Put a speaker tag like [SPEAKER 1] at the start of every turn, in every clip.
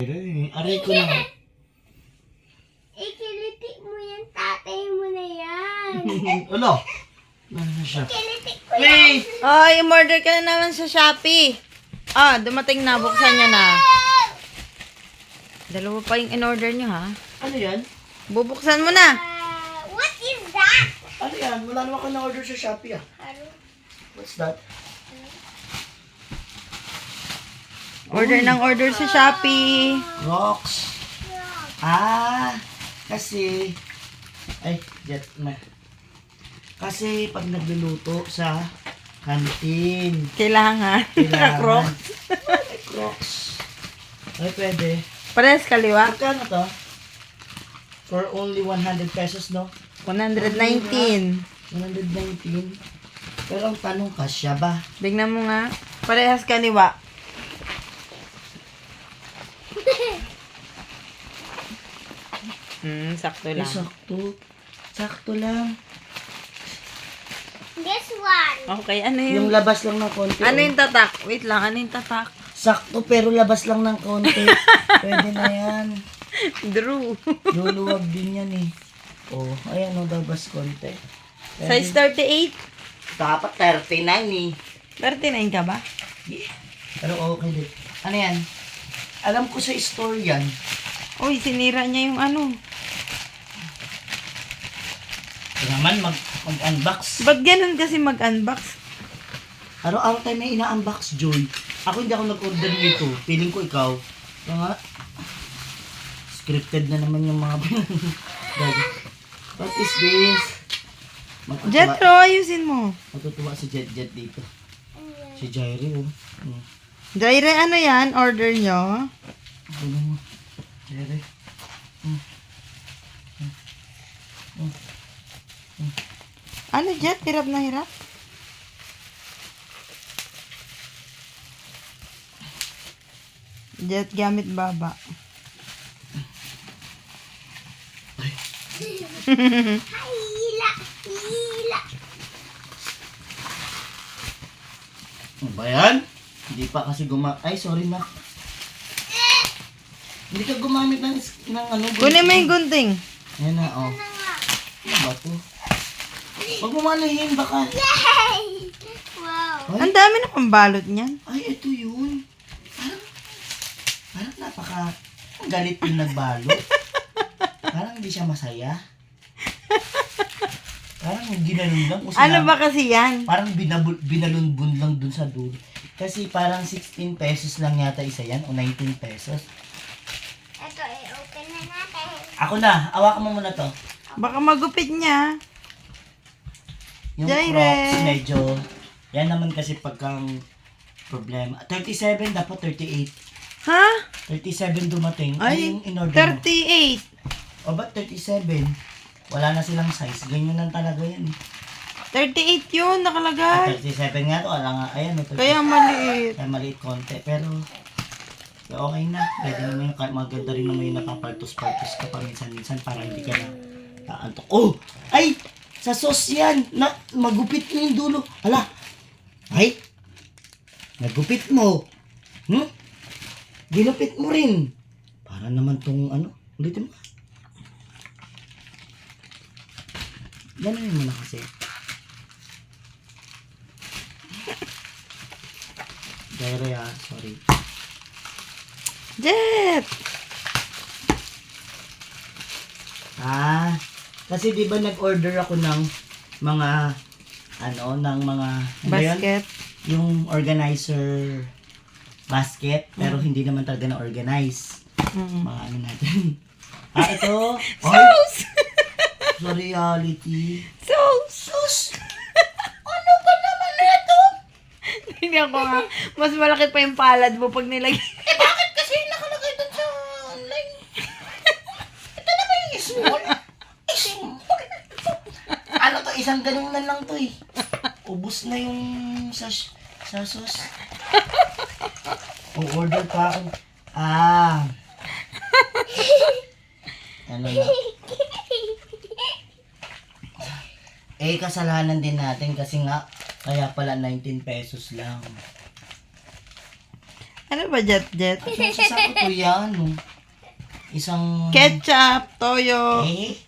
[SPEAKER 1] Aray ko na.
[SPEAKER 2] Ikiliti mo yan, tatay mo na yan.
[SPEAKER 1] Ano? Ano na siya?
[SPEAKER 2] Ikiliti ko yan.
[SPEAKER 1] May!
[SPEAKER 3] Oh, umorder ka na naman sa Shopee. Ah, dumating na. Buksan niya na. Dalawa pa yung in-order niyo, ha?
[SPEAKER 1] Ano yan?
[SPEAKER 3] Bubuksan mo na.
[SPEAKER 2] What is that?
[SPEAKER 1] Ano yan? Wala naman ako na-order sa Shopee ah. What's that?
[SPEAKER 3] Order ng order sa Shopee.
[SPEAKER 1] Rocks. Ah, kasi... Ay, jet na. Kasi pag nagluluto sa kantin,
[SPEAKER 3] Kailangan.
[SPEAKER 1] kailangan.
[SPEAKER 3] Crocs.
[SPEAKER 1] Ay, Crocs. Ay, pwede.
[SPEAKER 3] Pares kaliwa.
[SPEAKER 1] Magkano to? For only 100 pesos, no?
[SPEAKER 3] 119.
[SPEAKER 1] 119. Pero ang tanong, kasya ba?
[SPEAKER 3] Bignan mo nga. Parehas kaliwa. Sakto
[SPEAKER 1] Ay,
[SPEAKER 3] lang.
[SPEAKER 1] sakto. Sakto lang.
[SPEAKER 2] This one.
[SPEAKER 3] Okay, ano
[SPEAKER 1] Yung
[SPEAKER 3] yung...
[SPEAKER 1] labas lang ng konti.
[SPEAKER 3] Ano
[SPEAKER 1] oh.
[SPEAKER 3] yung tatak? Wait lang, ano yung tatak?
[SPEAKER 1] Sakto pero labas lang ng konti. Pwede na yan.
[SPEAKER 3] Drew.
[SPEAKER 1] Luluwag din yan eh. Oh, ayan o, labas konti. Pwede.
[SPEAKER 3] Size 38?
[SPEAKER 1] Dapat 39 eh.
[SPEAKER 3] 39 ka ba?
[SPEAKER 1] Yeah. Pero okay din. Ano yan? Alam ko sa store yan.
[SPEAKER 3] Uy, sinira niya yung ano.
[SPEAKER 1] Ito naman, mag-unbox.
[SPEAKER 3] Ba't ganun kasi mag-unbox?
[SPEAKER 1] Araw-araw tayo may ina-unbox, Joy. Ako hindi ako nag-order nito. Feeling ko ikaw. Mga scripted na naman yung mga What is this?
[SPEAKER 3] Jetro, ayusin mo.
[SPEAKER 1] Matutuwa si Jet dito. Si Jairi, oh.
[SPEAKER 3] Jaire, ano yan? Order nyo?
[SPEAKER 1] Ano mo? Jairi.
[SPEAKER 3] Ano, Jet? Hirap na hirap? Jet, gamit baba.
[SPEAKER 2] Hila. Hila.
[SPEAKER 1] Ano ba yan? Hindi pa kasi Ay, sorry na. Hindi ka gumamit ng ano.
[SPEAKER 3] Kunin mo yung gunting.
[SPEAKER 1] Ayan na, oh. Ano ba to? Huwag mo manahin, baka.
[SPEAKER 2] Yay! Wow.
[SPEAKER 3] Ang dami na pambalot niyan.
[SPEAKER 1] Ay, ito yun. Parang ang galit yung nagbalot. Parang hindi siya masaya. Parang ginanon lang. O
[SPEAKER 3] Ano ba kasi yan?
[SPEAKER 1] Parang binalunbun lang dun sa dulo. Kasi parang 16 pesos lang yata isa yan o 19 pesos.
[SPEAKER 2] Ito, i-open na natin.
[SPEAKER 1] Ako na, awakan mo muna to.
[SPEAKER 3] Baka magupit niya.
[SPEAKER 1] Yung
[SPEAKER 3] Jaire.
[SPEAKER 1] Crocs medyo, yan naman kasi pagkang problema. 37, dapat 38.
[SPEAKER 3] Ha?
[SPEAKER 1] 37 dumating.
[SPEAKER 3] Ay,
[SPEAKER 1] Ano yung in-order mo?
[SPEAKER 3] 38.
[SPEAKER 1] O ba't 37? Wala na silang size. Ganyan lang talaga yan.
[SPEAKER 3] 38 yun, nakalagay.
[SPEAKER 1] 37 nga to. Wala nga. Ayan. May 37.
[SPEAKER 3] Kaya maliit.
[SPEAKER 1] Kaya maliit konti. Pero, okay na. Pwede naman yung maganda rin naman yung napapaltos-paltos ka paminsan-minsan para hindi ka na taantok. Oh! Ay! Sa sauce yan! Magupit mo yung dulo. Hala! Ay! Nagupit mo. Ginupit mo rin. Para naman tong ano. Ulitin mo. Gano'n mo na kasi. Jaire sorry.
[SPEAKER 3] Jet!
[SPEAKER 1] Kasi di ba nag-order ako ng mga ng mga ano yun?
[SPEAKER 3] Basket.
[SPEAKER 1] Yung organizer basket pero hindi naman talaga na-organize. Mga ano natin. Ito.
[SPEAKER 3] Sauce!
[SPEAKER 1] Sa reality.
[SPEAKER 3] Sauce!
[SPEAKER 1] Ano ba naman ito?
[SPEAKER 3] Hindi ako nga. Mas malaki pa yung palad mo pag nilagay.
[SPEAKER 1] Bakit kasi nakalagay doon sa online? Ito naman yung small. Ano to? Isang ganun na lang to eh. Ubus na yung sa sauce. O-order pa ako. Ano na? Kasalanan din natin kasi nga kaya pala 19 pesos lang.
[SPEAKER 3] Ano ba, Jet?
[SPEAKER 1] Sasako ko yan. Oh. Isang...
[SPEAKER 3] Ketchup, toyo.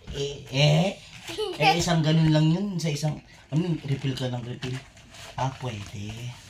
[SPEAKER 1] Isang ganun lang yun. Sa isang... refill ka ng refill. Pwede.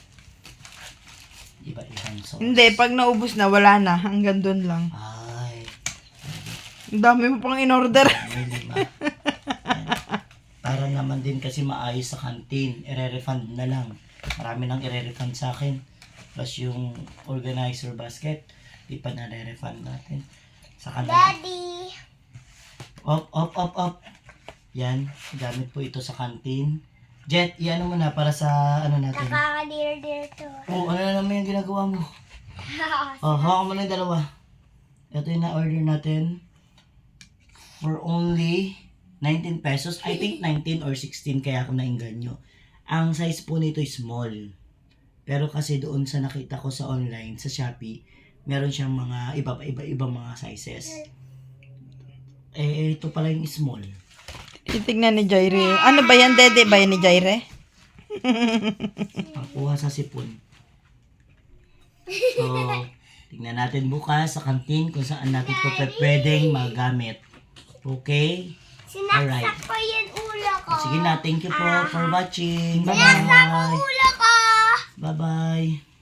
[SPEAKER 1] Iba-ibang sauce.
[SPEAKER 3] Hindi, pag naubos na, wala na. Hanggang doon lang.
[SPEAKER 1] Ay.
[SPEAKER 3] Ang dami mo pang in-order.
[SPEAKER 1] May 5. Yan. Para naman din kasi maayos sa canteen. I-refund na lang. Marami nang i-refund sa akin. Plus yung organizer basket. Di pa na-refund natin. Sa kanila.
[SPEAKER 2] Daddy.
[SPEAKER 1] Up. Yan. Gamit po ito sa canteen. Jet, iano mo na para sa ano natin.
[SPEAKER 2] Nakakadir-dir to.
[SPEAKER 1] Ano na naman yung ginagawa mo? Hawakan mo na yung dalawa. Ito yung na-order natin. For only 19 pesos. I think 19 or 16 kaya ako nainganyo. Ang size po nito is small. Pero kasi doon sa nakita ko sa online, sa Shopee, meron siyang mga iba mga sizes. Ito pala yung small.
[SPEAKER 3] Titignan ni Jaire. Ano ba yan, Dede? Ba yan ni Jaire?
[SPEAKER 1] Pangkuha sa sipon. So, tingnan natin bukas sa kantin kung saan natin ito pwedeng magamit. Okay? Alright.
[SPEAKER 2] Sinaksak ko yung ulo ko.
[SPEAKER 1] Sige na, thank you po for watching.
[SPEAKER 2] Sinaksak ko
[SPEAKER 1] Bye-bye.
[SPEAKER 2] ulo ko.
[SPEAKER 1] Bye-bye.